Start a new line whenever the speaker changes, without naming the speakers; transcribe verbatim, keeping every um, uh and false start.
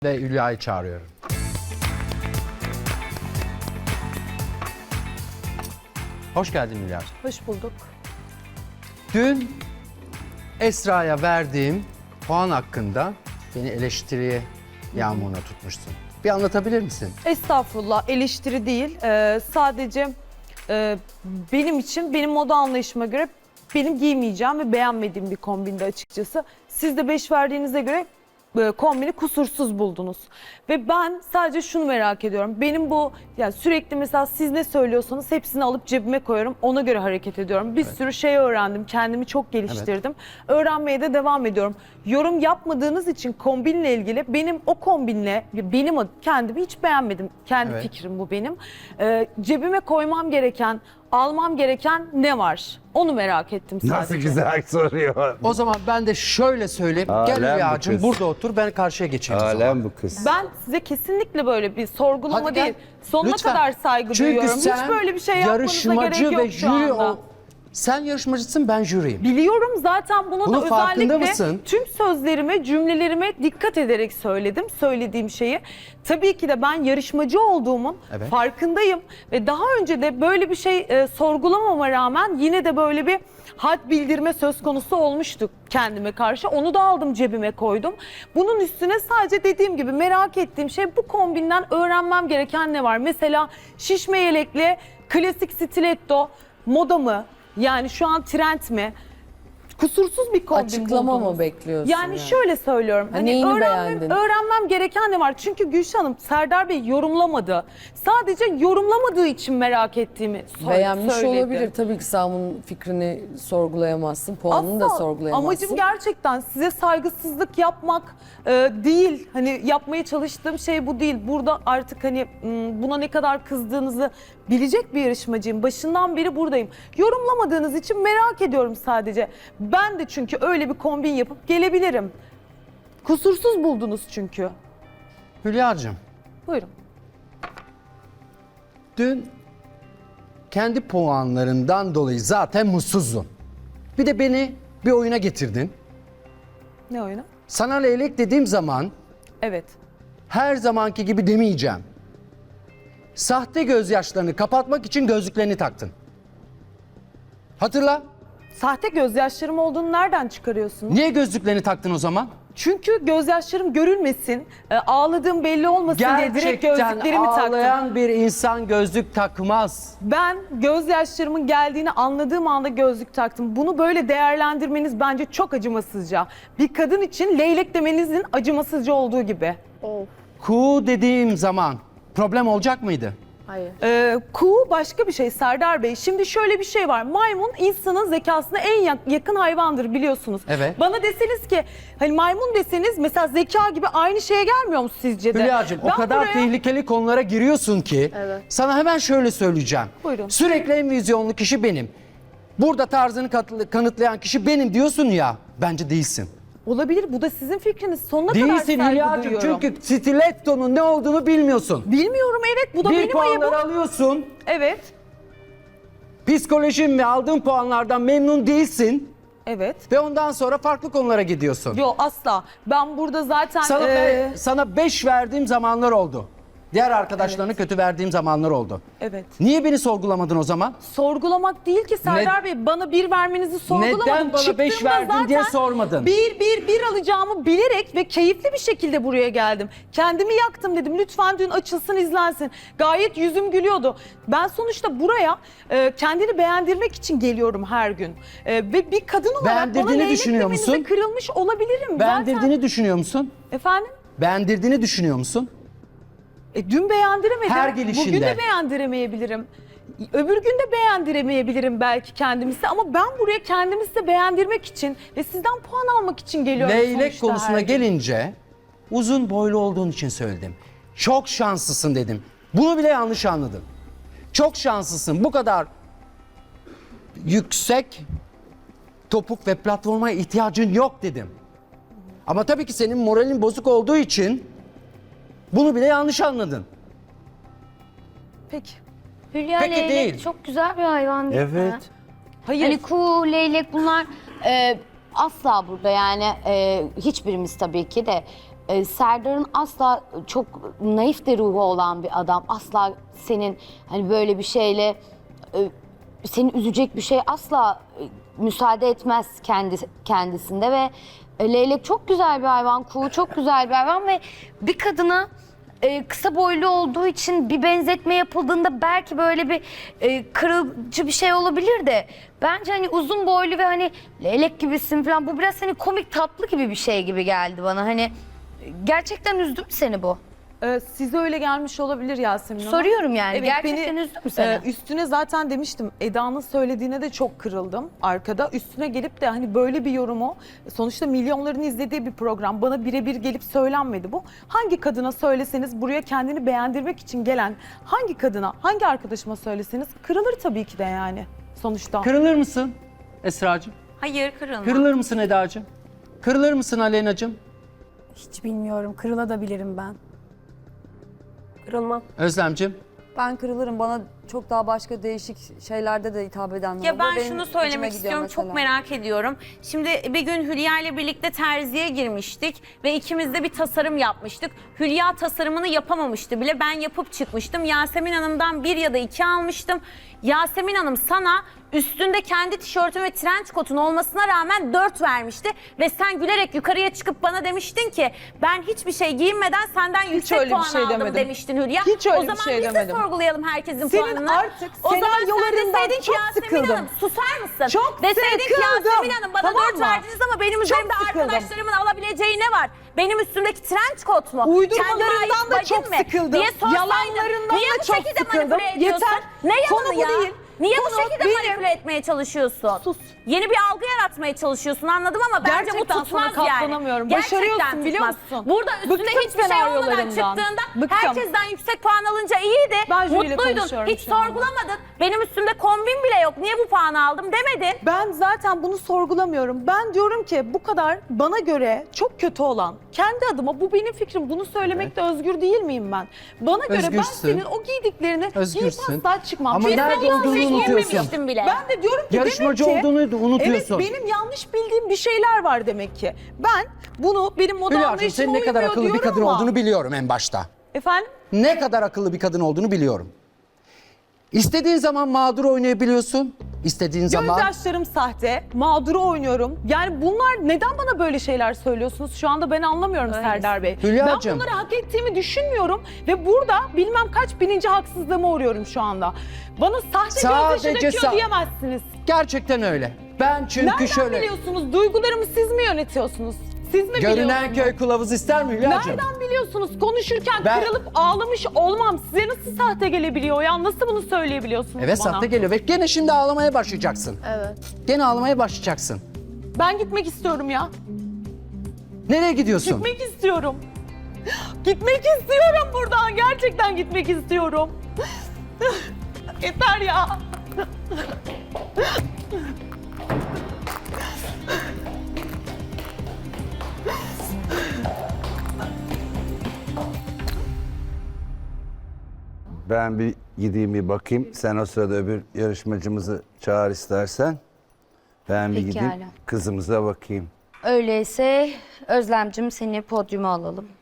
Ve Hülya'yı çağırıyorum. Hoş geldin Hülya.
Hoş bulduk.
Dün Esra'ya verdiğim puan hakkında beni eleştiriye yağmuruna tutmuşsun. Bir anlatabilir misin?
Estağfurullah, eleştiri değil. Ee, sadece e, benim için, benim moda anlayışıma göre benim giymeyeceğim ve beğenmediğim bir kombinde açıkçası. Siz de beş verdiğinize göre e, kombini kusursuz buldunuz. Ve ben sadece şunu merak ediyorum. Benim bu, yani sürekli mesela siz ne söylüyorsanız hepsini alıp cebime koyuyorum. Ona göre hareket ediyorum. Bir
Evet.
sürü şey öğrendim. Kendimi çok geliştirdim. Öğrenmeye de devam ediyorum. Yorum yapmadığınız için kombinle ilgili benim o kombinle, benim ad- kendimi hiç beğenmedim. Kendi
Evet.
fikrim bu benim. Ee, cebime koymam gereken, almam gereken ne var? Onu merak ettim sadece.
Nasıl güzel soruyor.
O zaman ben de şöyle söyleyeyim.
Alem
Gel
bu
Hülya'cığım
kız.
burada otur, ben karşıya geçeyim o zaman.
Alem bu kız.
Ben size kesinlikle böyle bir sorgulama
Hadi gel.
değil, sonuna
Lütfen.
kadar saygı
Çünkü
duyuyorum.
sen
Hiç böyle bir şey yapmanıza
yarışmacı
gerek yok
ve
şu
jüri
anda.
ol. Sen yarışmacısın, ben jüriyim.
Biliyorum zaten bunu
Bunun
da
farkında
özellikle
mısın?
tüm sözlerime, cümlelerime dikkat ederek söyledim, söylediğim şeyi. Tabii ki de ben yarışmacı olduğumun
Evet.
farkındayım ve daha önce de böyle bir şey e, sorgulamama rağmen yine de böyle bir had bildirme söz konusu olmuştu kendime karşı. Onu da aldım cebime koydum. Bunun üstüne sadece dediğim gibi merak ettiğim şey, bu kombinden öğrenmem gereken ne var? Mesela şişme yelekli klasik stiletto moda mı? Yani şu an trend mi? Kusursuz bir kombin
Açıklama
buldunuz.
mı bekliyorsun
Yani,
yani?
şöyle söylüyorum.
Ha, neyini
öğrenmem,
beğendin?
öğrenmem gereken ne var? Çünkü Gülşah Hanım, Serdar Bey yorumlamadı. Sadece yorumlamadığı için merak ettiğimi so-
Beğenmiş
söyledi.
olabilir. Tabii ki sen bunun fikrini sorgulayamazsın, puanını da
Asla.
sorgulayamazsın.
Amacım gerçekten size saygısızlık yapmak e, değil. Hani yapmaya çalıştığım şey bu değil. Burada artık hani m, buna ne kadar kızdığınızı bilecek bir yarışmacıyım. Başından beri buradayım. Yorumlamadığınız için merak ediyorum sadece. Ben de çünkü öyle bir kombin yapıp gelebilirim. Kusursuz buldunuz çünkü.
Hülya'cığım,
Buyurun.
dün kendi puanlarından dolayı zaten mutsuzdun. Bir de beni bir oyuna getirdin.
Ne oyunu?
Sana leylek dediğim zaman
Evet.
her zamanki gibi demeyeceğim. Sahte gözyaşlarını kapatmak için gözlüklerini taktın. Hatırla.
Sahte gözyaşlarım olduğunu nereden çıkarıyorsunuz?
Niye gözlüklerini taktın o zaman?
Çünkü gözyaşlarım görülmesin, e, ağladığım belli olmasın diye direkt
Gerçekten
gözlüklerimi taktım.
ağlayan bir insan gözlük takmaz.
Ben gözyaşlarımın geldiğini anladığım anda gözlük taktım. Bunu böyle değerlendirmeniz bence çok acımasızca. Bir kadın için leylek demenizin acımasızca olduğu gibi.
Ku dediğim zaman problem olacak mıydı?
Hayır.
Ee, kuğu başka bir şey Serdar Bey. Şimdi şöyle bir şey var. Maymun insanın zekasına en yak- yakın hayvandır biliyorsunuz.
Evet.
Bana deseniz ki hani maymun deseniz mesela zeka gibi aynı şeye gelmiyor mu sizce de?
Hülya'cığım o
Ben
kadar
buraya-
tehlikeli konulara giriyorsun ki sana hemen şöyle söyleyeceğim.
Buyurun.
Sürekli en vizyonlu kişi benim. Burada tarzını kat- kanıtlayan kişi benim diyorsun ya. Bence değilsin.
Olabilir, bu da sizin fikriniz. Sonuna kadar
Değilsin
saygı
Hülya'cığım
duyuyorum.
çünkü stiletto'nun ne olduğunu bilmiyorsun.
Bilmiyorum, evet, bu da
Bir
benim ayıbım.
puanları alıyorsun.
Evet,
Psikolojin ve aldığın puanlardan memnun değilsin.
evet.
Ve ondan sonra farklı konulara gidiyorsun.
Yo, asla. Ben burada zaten...
Sana,
e,
be- sana beş verdiğim zamanlar oldu. Diğer arkadaşlarına kötü verdiğim zamanlar oldu.
Evet.
Niye beni sorgulamadın o zaman?
Sorgulamak değil ki Serdar Bey. Bana bir vermenizi sorgulamadım.
Neden bana beş
Çıktığımda
verdin
zaten
diye sormadın.
Bir, bir, bir alacağımı bilerek ve keyifli bir şekilde buraya geldim. Kendimi yaktım dedim. Lütfen dün açılsın, izlensin. Gayet yüzüm gülüyordu. Ben sonuçta buraya e, kendini beğendirmek için geliyorum her gün. E, ve bir kadın olarak bana
Beğendirdiğini
leylek
düşünüyor
demenize
musun?
kırılmış olabilirim.
Beğendirdiğini
Zaten.
düşünüyor musun?
Efendim?
Beğendirdiğini düşünüyor musun?
E, dün beğendiremedim.
Her gelişinde.
Bugün de beğendiremeyebilirim. Öbür gün de beğendiremeyebilirim belki kendimizi, ama ben buraya kendimizi de beğendirmek için ve sizden puan almak için geliyorum
Leylek
sonuçta
konusuna
her gün.
gelince uzun boylu olduğun için söyledim. Çok şanslısın dedim. Bunu bile yanlış anladın. Çok şanslısın. Bu kadar yüksek topuk ve platforma ihtiyacın yok dedim. Ama tabii ki senin moralin bozuk olduğu için bunu bile yanlış anladın.
Peki.
Hülya
Peki
leylek
değil.
çok güzel bir hayvan değil mi?
Evet.
Hayır.
Hani kuğu, leylek bunlar e, asla burada yani e, hiçbirimiz tabii ki de
e, Serdar'ın asla çok naif de ruhu olan bir adam. Asla senin hani böyle bir şeyle e, seni üzecek bir şey asla e, müsaade etmez kendi kendisinde ve e, leylek çok güzel bir hayvan, kuğu çok güzel bir hayvan ve bir kadına e, kısa boylu olduğu için bir benzetme yapıldığında belki böyle bir e, kırıcı bir şey olabilir de bence hani uzun boylu ve hani leylek gibisin falan bu biraz hani komik tatlı gibi bir şey gibi geldi bana. Hani gerçekten üzdü mü seni bu?
Ee, size öyle gelmiş olabilir Yasemin Hanım.
Soruyorum yani,
Evet,
gerçekten
beni,
üzdü mü seni?
e, üstüne zaten demiştim, Eda'nın söylediğine de çok kırıldım arkada. Üstüne gelip de hani böyle bir yorumu, sonuçta milyonların izlediği bir program, bana birebir gelip söylenmedi bu. Hangi kadına söyleseniz, buraya kendini beğendirmek için gelen hangi kadına, hangi arkadaşıma söyleseniz kırılır tabii ki de yani sonuçta.
Kırılır mısın Esra'cığım?
Hayır, kırılma.
Kırılır mısın Eda'cığım? Kırılır mısın Aleyna'cığım?
Hiç bilmiyorum. Kırılabilirim ben.
Kırılmam.
Özlemciğim?
Ben kırılırım. Bana çok daha başka değişik şeylerde de hitap edenler
Ya
olur.
ben
Benim
şunu
içime
söylemek
gidiyor
istiyorum, çok
mesela.
merak ediyorum. Şimdi bir gün Hülya ile birlikte terziye girmiştik ve ikimiz de bir tasarım yapmıştık. Hülya tasarımını yapamamıştı bile, ben yapıp çıkmıştım. Yasemin Hanım'dan bir ya da iki almıştım. Yasemin Hanım sana üstünde kendi tişörtün ve trenç kotun olmasına rağmen dört vermişti. Ve sen gülerek yukarıya çıkıp bana demiştin ki ben hiçbir şey giyinmeden senden yüksek
öyle bir
puan
şey
aldım
demedim.
demiştin Hülya.
Hiç öyle
o
bir
zaman
şey
biz
demedim.
de sorgulayalım herkesin
Senin
puanını.
artık
o zaman sen
senaryolarından
deseydin ki
çok
Yasemin
sıkıldım.
Hanım susar mısın?
Çok
Deseydin ki
sıkıldım.
Yasemin Hanım bana
Tamam
dört
mı?
verdiniz ama benim
Çok
üzerimde
sıkıldım.
arkadaşlarımın alabileceği ne var? Benim üstümdeki trenç kot mu?
Uydurmalarından
Kendime ait
da
bacım
çok
mi?
sıkıldım.
Diye sorsaydın,
Yalanlarından
niye
da
bu
çok
şekilde
sıkıldım.
manipüle ediyorsun?
Yeter.
Ne
Konu
yalanı
bu
ya?
değil.
Niye
Konu
bu şekilde
benim.
manipüle etmeye çalışıyorsun?
Sus.
Yeni bir algı yaratmaya çalışıyorsun, anladım ama bence
Gerçekten
bu tutmaz
sana
yani.
katlanamıyorum.
Gerçekten
Başarıyorsun, biliyor
tutmaz.
musun?
Burada üstüne
Bıktım
hiçbir şey olmadan
senaryolarından.
çıktığında
Bıktım.
herkesten yüksek puan alınca iyiydi.
Ben jüriyle
Mutluydun.
konuşuyorum
Hiç
şu anda.
sorgulamadın. Benim üstümde kombin bile yok. Niye bu puanı aldım demedin.
Ben zaten bunu sorgulamıyorum. Ben diyorum ki bu kadar bana göre çok kötü olan, kendi adıma bu benim fikrim, bunu söylemekte özgür değil miyim ben? Bana göre
Özgürsün.
ben senin o giydiklerini giyip
Özgürsün.
asla çıkmam.
Ama
Çünkü
nerede
ben yanlış
olduğunu
giymemiştim.
unutuyorsun.
bile.
Ben de diyorum ki
Yarışmacı
demek ki,
olduğunu da unutuyorsun.
Evet, benim yanlış bildiğim bir şeyler var demek ki. Ben bunu benim moda
Hülya'cığım
anlayışıma
senin ne kadar
uymuyor
akıllı bir
diyorum
kadın
ama-
olduğunu biliyorum en başta.
Efendim?
Ne kadar akıllı bir kadın olduğunu biliyorum. İstediğin zaman mağdur oynayabiliyorsun. İstediğin zaman...
Gözyaşlarım sahte, mağduru oynuyorum. Yani bunlar neden bana böyle şeyler söylüyorsunuz? Şu anda ben anlamıyorum Serdar Bey.
Hülyacığım.
Ben bunları hak ettiğimi düşünmüyorum ve burada bilmem kaç bininci haksızlığıma uğruyorum şu anda. Bana sahte
Sadece
gözyaşı döküyor
sa-
diyemezsiniz.
Gerçekten öyle. Ben çünkü
Nereden
şöyle...
biliyorsunuz? Duygularımı siz mi yönetiyorsunuz? Siz mi
Görünen
biliyorsunuz?
köy kılavuz ister mi Hülya'cığım?
Nereden biliyorsunuz? Konuşurken
Ben-
kırılıp ağlamış olmam size nasıl sahte gelebiliyor ya? Nasıl bunu söyleyebiliyorsunuz
Evet
bana?
sahte geliyor ve gene şimdi ağlamaya başlayacaksın.
Evet.
Gene ağlamaya başlayacaksın.
Ben gitmek istiyorum ya.
Nereye gidiyorsun?
Gitmek istiyorum. Gitmek istiyorum buradan. Gerçekten gitmek istiyorum. Yeter ya.
Ben bir gideyim bir bakayım. Sen o sırada öbür yarışmacımızı çağır istersen. Ben bir
Pekala.
gideyim kızımıza bakayım.
Öyleyse Özlemcim seni podyuma alalım.